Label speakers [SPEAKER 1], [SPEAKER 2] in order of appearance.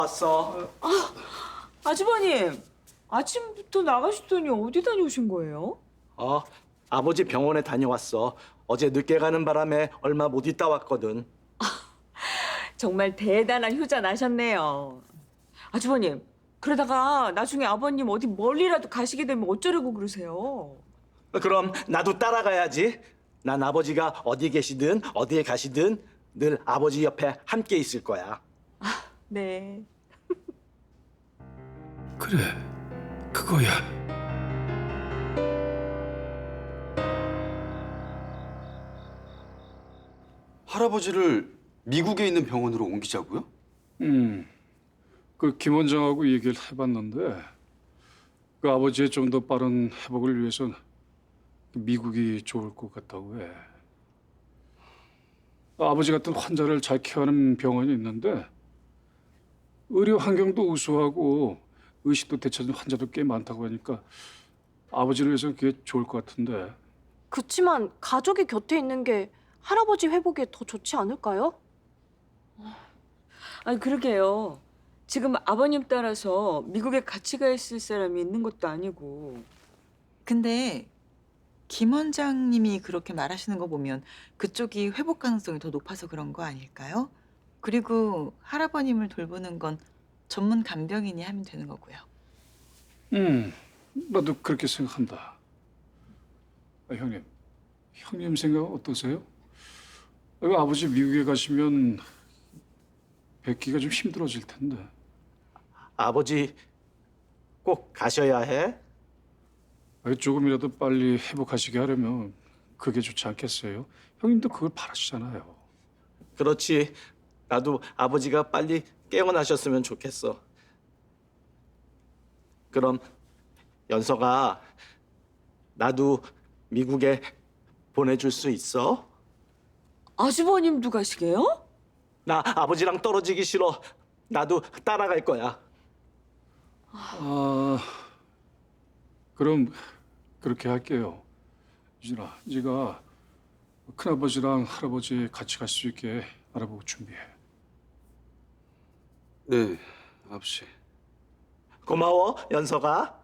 [SPEAKER 1] 왔어.
[SPEAKER 2] 아주버님, 아침부터 나가시더니 어디 다녀오신 거예요?
[SPEAKER 1] 아버지 병원에 다녀왔어. 어제 늦게 가는 바람에 얼마 못 있다 왔거든.
[SPEAKER 2] 정말 대단한 효자 나셨네요. 아주버님, 그러다가 나중에 아버님 어디 멀리라도 가시게 되면 어쩌려고 그러세요?
[SPEAKER 1] 그럼 나도 따라가야지. 난 아버지가 어디 계시든 어디에 가시든 늘 아버지 옆에 함께 있을 거야.
[SPEAKER 2] 네.
[SPEAKER 3] 그래, 그거야.
[SPEAKER 4] 할아버지를 미국에 있는 병원으로 옮기자고요?
[SPEAKER 3] 그 김 원장하고 얘기를 해봤는데 그 아버지의 좀 더 빠른 회복을 위해선 미국이 좋을 것 같다고 해. 아버지 같은 환자를 잘 케어하는 병원이 있는데 의료 환경도 우수하고 의식도 되찾은 환자도 꽤 많다고 하니까 아버지를 위해서는 그게 좋을 것 같은데.
[SPEAKER 5] 그치만 가족이 곁에 있는 게 할아버지 회복에 더 좋지 않을까요?
[SPEAKER 2] 아니, 그러게요. 지금 아버님 따라서 미국에 같이 가 있을 사람이 있는 것도 아니고.
[SPEAKER 6] 근데 김 원장님이 그렇게 말하시는 거 보면 그쪽이 회복 가능성이 더 높아서 그런 거 아닐까요? 그리고 할아버님을 돌보는 건 전문 간병인이 하면 되는 거고요.
[SPEAKER 3] 나도 그렇게 생각한다. 형님 생각 어떠세요? 아버지 미국에 가시면 뵙기가 좀 힘들어질 텐데.
[SPEAKER 1] 아버지 꼭 가셔야 해.
[SPEAKER 3] 조금이라도 빨리 회복하시게 하려면 그게 좋지 않겠어요? 형님도 그걸 바라시잖아요.
[SPEAKER 1] 그렇지. 나도 아버지가 빨리 깨어나셨으면 좋겠어. 그럼 연서가 나도 미국에 보내줄 수 있어?
[SPEAKER 2] 아주버님도 가시게요?
[SPEAKER 1] 나 아버지랑 떨어지기 싫어. 나도 따라갈 거야.
[SPEAKER 3] 그럼 그렇게 할게요. 유진아, 네가 큰아버지랑 할아버지 같이 갈 수 있게 알아보고 준비해.
[SPEAKER 4] 네, 아버지.
[SPEAKER 1] 고마워, 연서가.